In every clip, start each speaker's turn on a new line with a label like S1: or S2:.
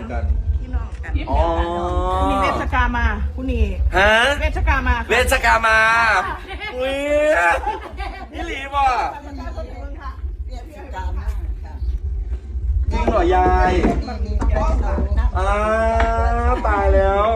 S1: กัน
S2: พี่น้องกัน
S1: อ๋อ
S2: มีเวชกามาคุณนี่
S1: ฮะ
S2: เวชกามา
S1: เวชกามาอุ้ยนี่หลีบ่จริงเหรอยายตายแล้ว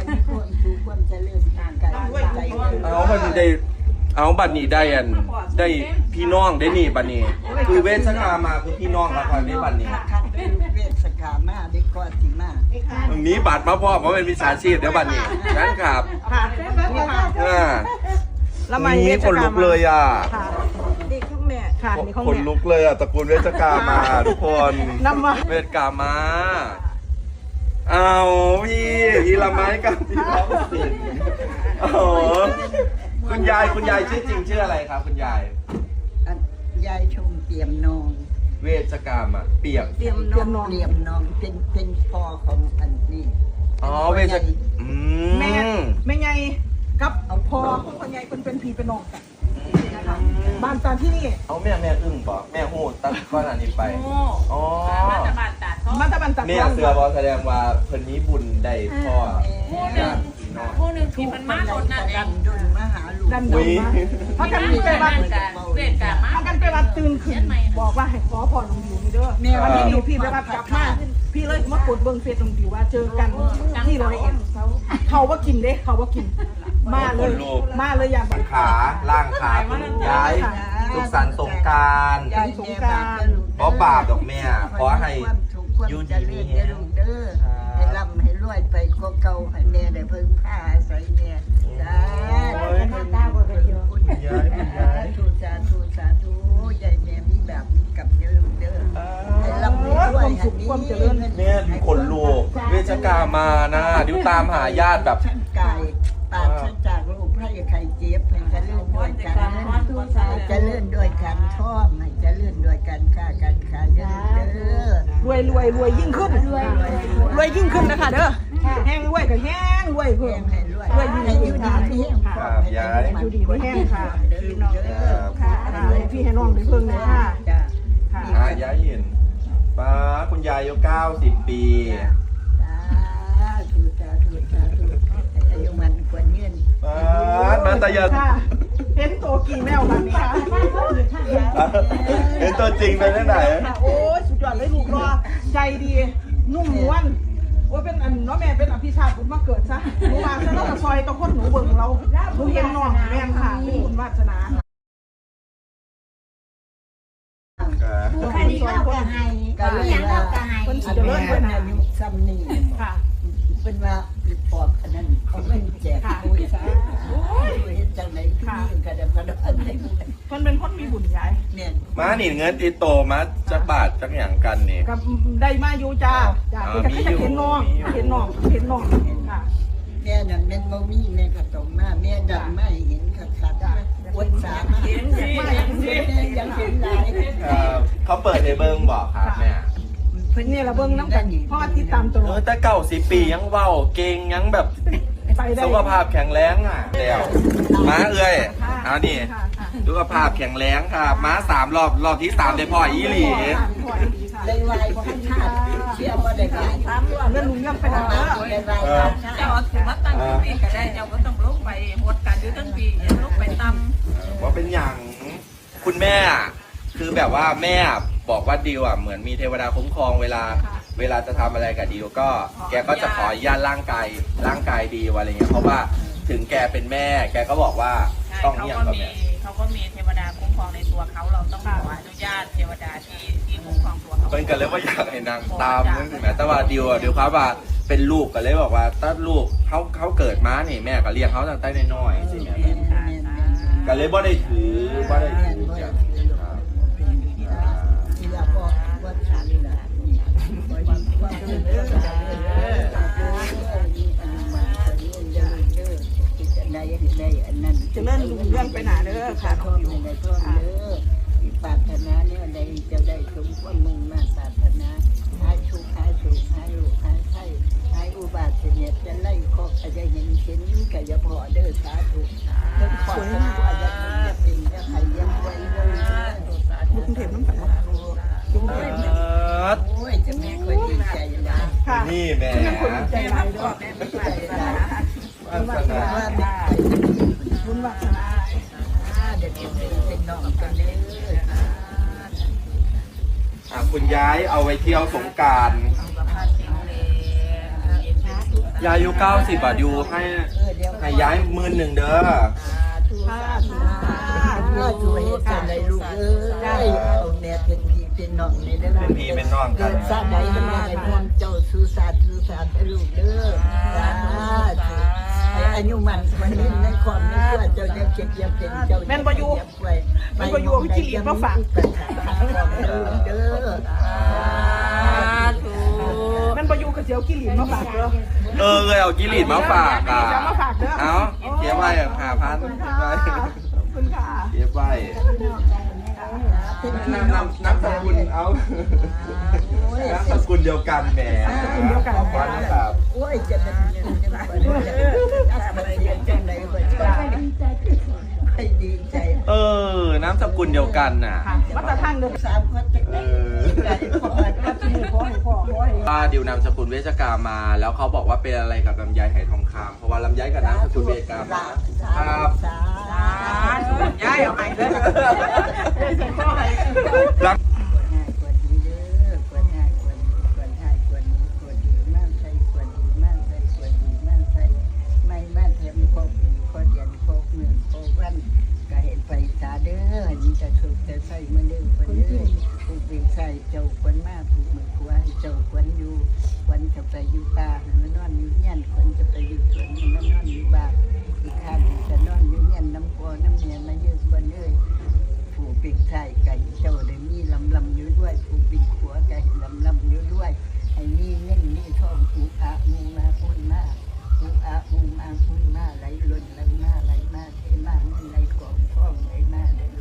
S1: เอาบัดนี้ได้เอาบัดนี้ได้อันได้พี่น้องได้นี่บัดนี้คือเวชกามาคือพี่น้องแล้วกันได้บัดนี้
S3: เวชกามาได้ก่อนสิมา
S1: มีบัตรมาพ่อเพราะเป็นวิชาชีพเดี๋ยวบัดนี้นั่นครับ
S2: ค่ะนี่ค่ะ
S1: แล้วมันนี่คนลุกเลยอ่ะ
S2: นี่ข้างแม่ค่ะนี่ข้างแม่
S1: คนลุกเลยอ่ะตระกูลเวชกามาทุกคน
S2: นำมา
S1: เวชกามาเอาพี่ละไม้กับพี่ร้องสิโอ้คุณยายชื่อจริงชื่ออะไรครับคุณยาย
S3: ยายชมเปี่ยมนอง
S1: เวชกามาเปียก
S3: เปี่ยมนองเป็นพ่อของอันนี้
S1: อ๋อเวช
S2: แม่ไงกับเอาพ่อของคนใหญ่เป็นพี่เป็นน้องกันบ้านตาที่นี่
S1: เอาแม่อึ้งบอกแม่หูตั้งก้อนอันนี้ไปอ๋อ
S2: มาตะบันตัด
S1: แม่เสือบอแสดงว่าเพิ่นนี้บุญได้พ่อ
S4: ผู้หนึ่งที่มันมาโดนนั่นเอง
S3: ดุนมาหาลูก
S2: ดันดุนมาเพราะกันไปวัด
S4: เวทกามา
S2: เพราะกันไปวัดตื่นขึ้นบอกว่าให้ขอพรหลวงปู่นี่เด้อแม่วันนี้อยู่พี่ไปวัดกลับมาพี่เลยมากดเบิ้งเฟซหลวงปู่ว่าเจอกันที่เราเอ็นเขาว่ากินเด้เขาว่ากินมาเลยอย่าง
S1: ขาล่างขาย้ายสุขสันต์สงกรานต์เพราะบาปดอกแม่ขอให้
S3: ยูดีมีเด้อเด้อให้ร่ำให้รวยไปก็เก่าให้แม่ได้เพิ่งผ้าใส่แม่จ้าสาธุยายแม่มีแบบนี้กับเด้อให้ร่ำให้รวยให้มีเงิน
S1: เนี่ยคนลูกเวชกามานะดิวตามหาญาติแบบ
S3: ชั้นกายปราศจากโรคภัยไข้เจ็บให้เจริญด้วยกันเจริญด้วยกันท่องให้เจริญด้วยกันค้ากันขายเด้อ
S2: รวยยิ่งขึ้นรวยยิ่งขึ้นนะคะเด้อแห้งรวยกับแห้งรวยเพิ่มรวยยิ่งอยู่ดีที่แห้งค่ะอยู่ดีที่แห้งค่ะพี่น้องค่ะพี่ให้น้องได้เพิ่งเลยค่ะ
S1: ย้ายเห็นป้าคุณยายอายุ90 ปี
S3: อายุมันกว่าเงิน
S1: มาตายา
S2: เห็นตัวกี่แมวแบบนี้ค่ะ
S1: เห็นตัวจริงเป็นที่ไหน
S2: โอ้ยสุดยอดเลยลูกรอใจดีนุ่มนวลโอ้ยเป็นอันน้องแม่เป็นอภิชาติบุญมาเกิดซะหนูมาซะแล้วก็ซอยตะคนหนูเบิ่งเราหนูเห็นน้องแม่ค่ะเป็นบุญวาสนา
S3: ผู้คดีเล่ากะไห้ก็ยังเล่ากะไห้คนสิเจริญด้วยนะยุคซ้ำนี่ค่ะเป็นว่าปอบอันนั้นเขาไม่แจกปุ้ยซะเห็นจังไหนที่นี่กระดับอันไหน
S2: คนเป็นคนมีบุญใหญ่
S3: เนี่ย
S1: มาหนีเงินติโตมาจักบาทจักอย่างกันนี่
S2: กับได้มาอยู่จ้าก็จะเห็นน้องค่ะ
S3: แม่นั่นแม่บ่มีแม่ก็ต้องมาแม่ดังไม่เห็นขัดอดสามาเห็นยังเห็นหลาย
S1: เขาเปิดในเบิ้งบอกครับแม่
S2: เพิ่นนี่ละเบิ้งน้ำกันพ่อติดตามตัว
S1: แต่90 ปียังเว้าเก่งยังแบบสุขภาพแข็งแรงอ่ะแล้วม้าเอ้ยเอานี่สุขภาพแข็งแรงค่ะม้า3 รอบที่3ได้พ่ออีหลี
S3: เลยไวพอให้ชาติเชื่อว่าได้การ
S2: เรื่องลุงยังไปแล้ว
S4: เจ้าถือว่าตั้งปีก็ได้เจ้าก็ต้องลุกไปหมดการอยู่ตั้งปีลุกไปตั้ม
S1: ว่าเป็นอย่างคุณแม่คือแบบว่าแม่บอกว่าดิวอ่ะเหมือนมีเทวดาคุ้มครองเวลาจะทำอะไรกับดิวก็แกก็จะขออนุญาตร่างกายดีอะไรเงี้ยเพราะว่าถึงแกเป็นแม่แกก็บอกว่าต้องเงียบกับแม่
S4: เขาก็มีเทวดาคุ้มครองในตัวเขาเราต้องขออนุญาตเทวดาที่คุ้มครองตัวเขา
S1: เป็นกันเลยว่าอยากให้นางตามนั่นสิแม่แต่ว่าดิวครับว่าเป็นลูกกันเลยบอกว่าถ้าลูกเขาเกิดมาเนี่ยแม่ก็เลี้ยงเขาตั้งแต่น้อยๆสิแม่กันเลยบ่ได้ถือบ่ได้ถือ
S2: จะเลื่อนลุงเลื่อนไปหนาเด้อค่ะ
S3: ท่องในท่องเด้อปรารถนาเนี่ยใดจะได้สมความมุ่งมั่นปรารถนาหายสุขหายลูกหายไข้หายอุบาทเสียจะไล่คอกอาจจะเห็นก็อย่าพอเด้อสาธุเพิ่นขอทั้งว่าจะเป็นจะใครยังไว้เลย
S2: ลุงเทพน้ำตาลุงเทพ
S3: โอ้ยจะแม่ค่อยดีใจนะ
S2: ค่ะ
S1: นี่แหม่
S2: ใจร้ายเด้อ
S1: วาสนา
S2: บุญวาสนา
S3: เด็กเป็นน้องกันเลย
S1: คุณย้ายเอาไว้เที่ยวสงกรานต์ยายอายุ90บาทอยู่ให้ย้าย11,000เด้อ
S3: ช่วยกันเลยลูกเอาแม่เป็นพี่เป็นน้องในเด้อ
S1: เป็นพี่เป็นน้องกัน
S3: ซาใดทำไมพวงเจ้าสุสานลูกเด้ออายุมันวันนี้ในความนี้เพื่อเจ้าจะเก็บยับเป็นเจ้าแม่นประยู
S2: พี่จิริมาฝาก
S3: เด้อ
S2: แม่นประยูกับเจียวกิริมาฝากเด้อ
S1: เลยเอากิริตมาฝากอ่ะ
S2: จะมาฝากเด้อ
S1: เอาเก็บไว้5,000
S2: ขอบคุณค่ะ
S1: เก็บไว้น้ำสกุลเอาน้ำสกุลเดียวกันแหมขอบคุณนะครับ
S3: โอ้ยจะเป็นจังไหนก็จะให้ดีใจ
S1: น้ำสกุลเดียวกันน่ะ
S2: มาตรฐานเด้อ
S3: 3 คนจะได้ใจพอ
S1: ป้าดิวนามสกุลเวชกามาแล้วเขาบอกว่าเป็นอะไรกับลำไยไหทองคำเพราะว่าลำไยกับนามสกุลเวชกามาครับ
S2: ย้ายเอาไปเด้อ
S1: รัก
S3: กว่าดีเด้อกว่าง่ายกว่านี้กว่าง่ายกว่านี้กว่าดีมากใส่กว่าดีมากใส่กว่าดีมากใส่ไม่มาเทียมพบพอเดือนพบ1พบวันก็เห็นไปตาเด้อนี่จะถูกจะใส่มือเด้อคนเด้อถูกเป็นใส่เจ้าคนมาถูกมือขวาเจ้าคนอยู่คนจะไปอยู่ป่ามันนอนอยู่เงี้ยนคนจะไปอยู่สวนมันนอนอยู่บ้านอีกข้างจะนอนอยู่เงี้ยนน้ำโพน้ำเนียนมาเยอะคนเอ้ยผู้ปิดใส่ไก่เจ้าได้มีลำอยู่ด้วยผู้ปิดขัวไก่ลำอยู่ด้วยให้มีเงินมีทองอุอามูมาพุ่นมาอุอามูมาพุ่นมาไหลล้นไหลมาไหลมาเทมาเงินไหลกองทองไหลมาเด้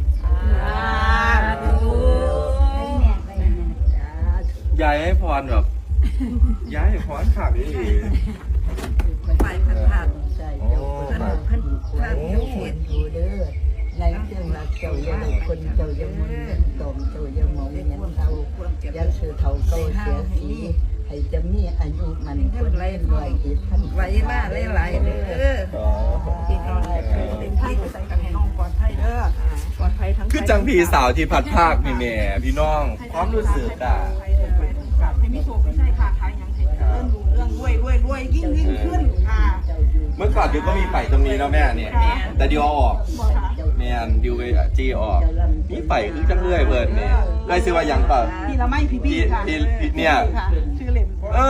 S3: อ
S1: ยายให้พรแบบย้ายให้พรขาดดิ
S4: ไปผ่าน
S3: ใช่เจ้าคนควรเจ้าควรอยู่เด้อในเครื่องรักเจ้าอย่าคนเจ้าอย่ามุนเงินตมเจ้าอย่ามองเงินเท่าอย่าซื้อเท่าเก่าเสียสีให้จะมีอายุมันคนเล่นด้วยอีกท่าน
S4: ไว้มาหลายๆเด้อพี่น้องเป็นพี่ใส่กันให้น้องปลอดภัยเด้อปลอดภัยทั้ง
S1: คือจังพี่สาวที่พัดภาคนี่แม่พี่น้องความรู้สึกอ่ะ
S2: ให้มีโชคไม่ใช่ค่ะทายยังให้เรื่องรวยยิ่งขึ้นค่ะ
S1: เมื่อก่อนดิวก็มีไปตรงนี้แล้วแม่เนี่ยแต่ดิวเอาออกแม่นดิวไปจี้ออกมีไปคือจังเลื่อยเบิร์นเนี่ยได้ซื้อว่ายังเปล่า
S2: พี่ละไม่พี่ค่ะ
S1: พี่เนี่ย
S2: ชื่อเล่น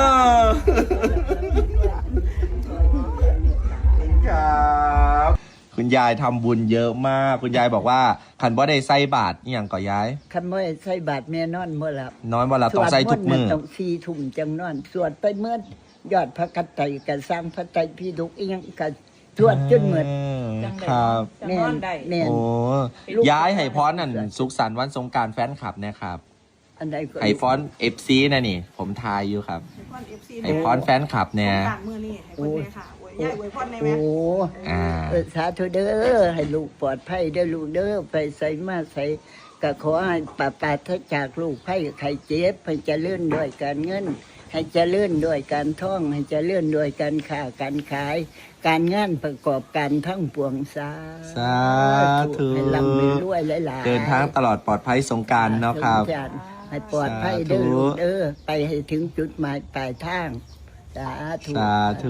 S1: ครับคุณยายทำบุญเยอะมากคุณยายบอกว่าคันบ่ได้ใส่บาทอหย่างก่อยาย
S3: คันบ่ได้ใส่บาทแม่นอนบ่หลับ
S1: น้อยวันละต้องใส่ทุกมื้อ
S3: ต้อง4 ทุ่มจังนอนสวดไปเมื่อยอดพระกัตไตรก็สร้างพระไตรปิฎกอีหยังก็สวดจนหมด
S1: ครับ
S3: แม่นแม่น
S1: โอ้ย้ายให้พรนั่นสุขสันต์วันสงกรานต์แฟนคลับนะครับ
S3: อันใดก็
S1: ให้พร FC นะนี่ ผมทายอยู่ครับให้พรแฟนคลับเนี่ย
S2: มือนี่ให้คนแม่ค่ะอวยย่ายอวยพรใน
S3: โอ้
S2: แม่
S3: สาธุเด้อให้ลูกปลอดภัยเด้อลูกเด้อไปใส่มาใส่ก็ขอให้ปราศจากลูกไผ่ไข่เจ็บให้เจริญด้วยการเงินให้เจริญด้วยการท่องให้เจริญด้วยการค้าการขาย การงานประกอบการทั้งปวงสา
S1: สาธุ
S3: ให้ร่ำให้รวยหลายๆ
S1: เดินทางตลอดปลอดภัยสงกรานต์เนาะครับ
S3: ให้ปลอดภัยเด้อลูกเด้อไปให้ถึงจุดหมายปลายทางสาธุ
S1: สาธุ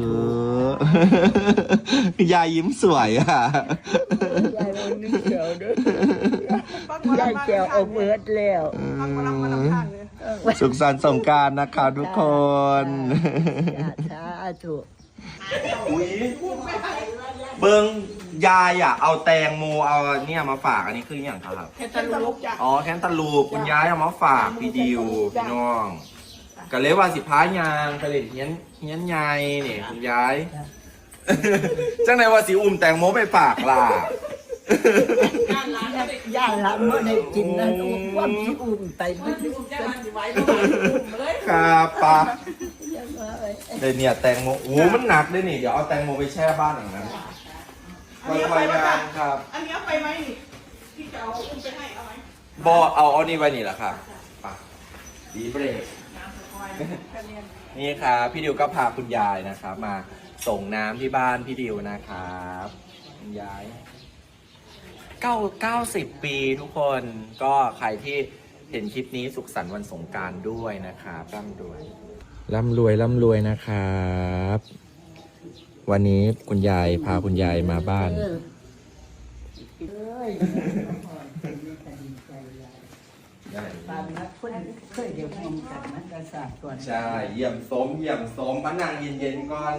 S1: ยายยิ้มสวยอ่ะ
S3: ยายวันนี้เขียวเด้อยายเขียวเอาเบิดแล้ว
S1: สุขสันต์สงกรานต์นะครับทุกคน
S3: สาธุ
S1: เบิ้งยายอ่ะเอาแตงโมเอาเนี่ยมาฝากอันนี้คืออย่างครับ
S2: แค่ตะลุกจ้ะ
S1: อ๋อแคนตาลูปคุณยายเอามาฝากพี่ดิวพี่น้องก็เลยว่าสิพายางก็เลยเฮียนยายเนี่ยคุณยายจังไหนว่าสิอุ้มแตงโมไปฝากล่ะ
S3: ย่าหลานเมื่อได้กินนั้นความสิอุ่มไปไม่ได้
S1: ครับปะเดี๋ยวเนี่ยแตงโมโอ้มันหนักเลยนี่เดี๋ยวเอาแตงโมไปแช่บ้านอย่างนั้นไว้งานครับ
S2: อันนี้เอาไปไหมนี่ที่จะเอาอุ้มไปให้เอาไหม
S1: บอเอานี่ไว้นี่แหละครับปะดีเบรกนี่ครับพี่ดิวก็พาคุณยายนะครับ มาส่งน้ำที่บ้านพี่ดิวนะครับคุณยาย90 ปีทุกคนก็ใครที่เห็นคลิปนี้สุขสันต์วันสงกรานต์ด้วยนะครับร่ำรวยนะครับ วันนี้คุณยายพาคุณยายมาบ้าน
S3: ตามนักคนเคยเดี๋ยวมองกันมันกระสาบก่อน
S1: ใช่เยี่ยมสมมานั่งเย็นๆก่อน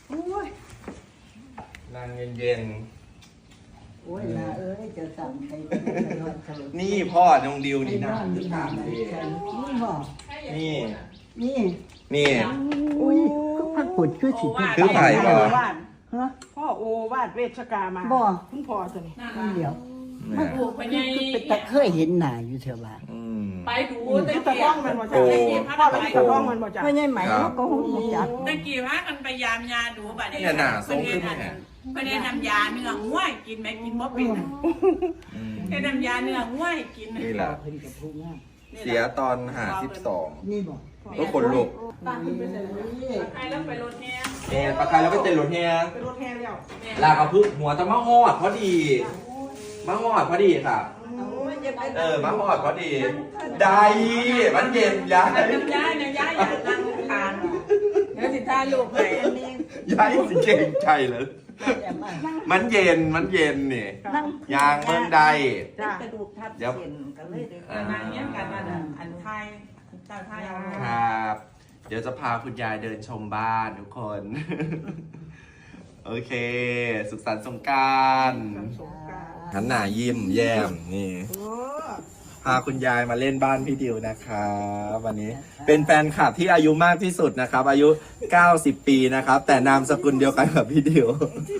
S1: นั่งเย็น
S3: โอ้ยนะจะสั่งใครนอนสลบ
S1: ๆนี่พ่อน้องดิวนี่นะ
S3: นี่ถามดินี่บอก
S1: นี่
S3: นี่
S1: นี่
S3: อุ้ยพักผุดคือสิ
S1: คือไผ่บ่
S3: ฮะ
S2: พ่อโอวาดเวชกามา
S3: บ่
S2: คุณพ่อตัวนี้
S3: เดี๋ยว
S1: เนี่ย
S3: มันเป็นตะเคยเห็นหน้าอยู่เถอะว่า
S1: อืม
S5: ไปดู
S2: ตะ
S5: ตะ
S2: ก้
S5: กี้
S2: องมันบ่จ้ะ
S1: โอ้
S2: พ่อเราตะก้องมันบ่จ้ะ
S3: ไม่ใช่ไหมเขาก็หุ่นจัก
S5: ตะกี้พากันไปยามยาดูบัดนี้
S1: เนี่ยหนาส้มขึ้นไหมเนี่ย
S5: เพิ่นได้นำยาเนื้อง่วยกินไหมกินบ่เป็น
S1: อืม
S5: ได้นำยาเนื้อง่วยกิน
S1: นี่แหละ
S3: เพิ่นกับผู้งาม
S1: เสียตอน52
S3: นี่บอก
S1: ก็ขนลุก
S5: ใครแล้วไปรถแห่
S1: เนี่ยปลาคายแล้วก็เต็นรถเนี่ย
S2: เป็นรถแห่แล้ว
S1: ลากระพึกหัวจะมาหอดพอดีมาหอดพอดีค่ะมาหอดพอดี ได้มันเย็นยาย
S5: น้ำยาเนี่ยยาอยากนั่งทานเดี๋ยวสิถ่ายรูปให้
S1: ยายสิเก่งใจเลย
S3: แต่มา
S1: มันเย็นนี่
S3: นั่ง
S1: ยางเมืองใด
S2: จ้ะ
S3: กระดูกทับเส้นกันเลยเด้อ
S5: นางเงี้ยกันนั่นน่ะอันไทยเจ้าไทยเอา
S1: ครับ เดี๋ยวจะพาคุณยายเดินชมบ้านทุกคน โอเค สุขสันต์สงกรานต์หันหน้ายิ้มแย้มนี่
S2: โอ้
S1: พาคุณยายมาเล่นบ้านพี่ดิวนะครับวันนี้เป็นแฟนคลับที่อายุมากที่สุดนะครับ อายุ 90 ปีนะครับ แต่นามสกุลเดียวกันกับพี่ดิว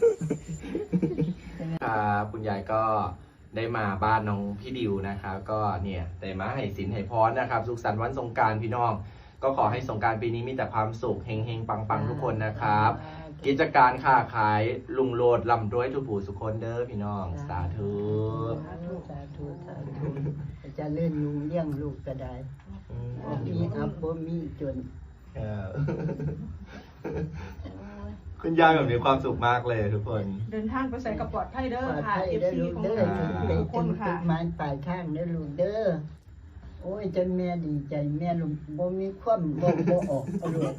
S1: ครับคุณยายก็ได้มาบ้านน้องพี่ดิวนะครับ ก็เนี่ยได้มาให้สินให้พรนะครับ สุขสันต์วันสงกรานต์พี่น้อง ก็ขอให้สงกรานต์ปีนี้มีแต่ความสุขเฮงๆปังๆทุกคนนะครับ กิจการค้าขายลุงโลดลำรวยทุกผู้สุขคนเด้อพี่น้องสาธุ
S3: สาธุจะเล่นลุงเลี้ยงลูกก็ได้บ่มีอับบ่มีจน
S1: คุณยายแบบมีความสุขมากเลยทุกคน
S2: เดินทางไปใส่กระปลอดไทยเด้อ
S3: ปลอด
S2: ค่ะ
S3: ภัย
S2: เอฟ
S3: ได้อ
S2: ซี
S3: ลูก
S2: ของ
S3: เด้อ
S2: เรา
S3: ถึงได้
S2: ทุกค
S3: ถึ
S2: น
S3: ง
S2: ค่ะ
S3: ไม้ปลายทางได้อลูกเด้อโอ้ยจนแม่ดีใจแม่ลูกบ่มีความบ่ออกเอาลูก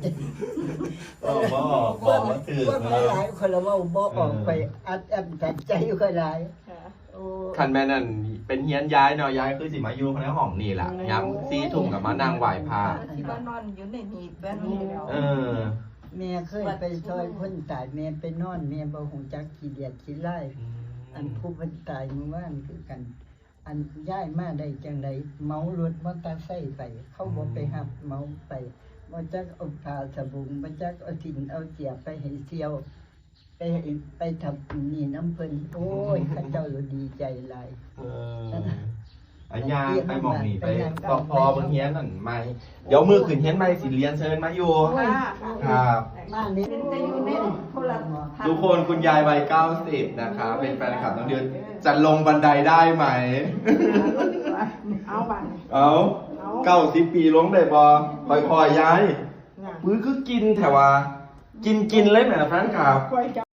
S1: บอกว่าถือ
S3: ความหลายคนละเว่าบ่ออกไปอัดแอมตัดใจค่อยหลายโอ้
S1: คันแม่นั่นเป็นเฮียนย้ายเนาะย้ายคือสิมาอยู่ในห้องนี่แหละย้ำซีถุงกับมานั่งไหวพา
S4: ที่บ้านนอนอยู่ในนี่แบบนี้แล้ว
S1: เออ
S3: แม่เคยไปซอยคนตายแม่ไปนอนแม่บ่ฮู้จักขี้เดียดขี้ไล่อันผู้เพิ่นตายเมื่อวานคือกัน อันย้ายมาได้จังไดเมารถมอเตอร์ไซค์ไป เขาบ่ไปหับเมาไปบ่จักเอาผ้าสบุงบ่จักเอาสินเอาเสียไปให้เที่ยว ไปทำนี่น้ำเพิ่นโอ้ยข้าเจ้าดีใจหลาย
S1: เอออันยางไปหมองนี่ไปบอกพอบนเฮียนนั่นไม่เดี๋ยวมือขึ้นเฮียนไม่สิเรียนเชิญมาอยู่ ครับ
S3: บ้านนี้
S4: จะอยู่ในโทรศัพท์
S1: ทุกคนคุณยายวัย90นะครับเป็นแฟนคลับน้องเดือนจะลงบันไดได้ไหม
S2: เอาบัง
S1: เอา90 ปีลงได้บ่ค่อยๆย้ายมือคือกินแต่ว่า กินเลยแหมแฟนคลับ
S2: คอยจับ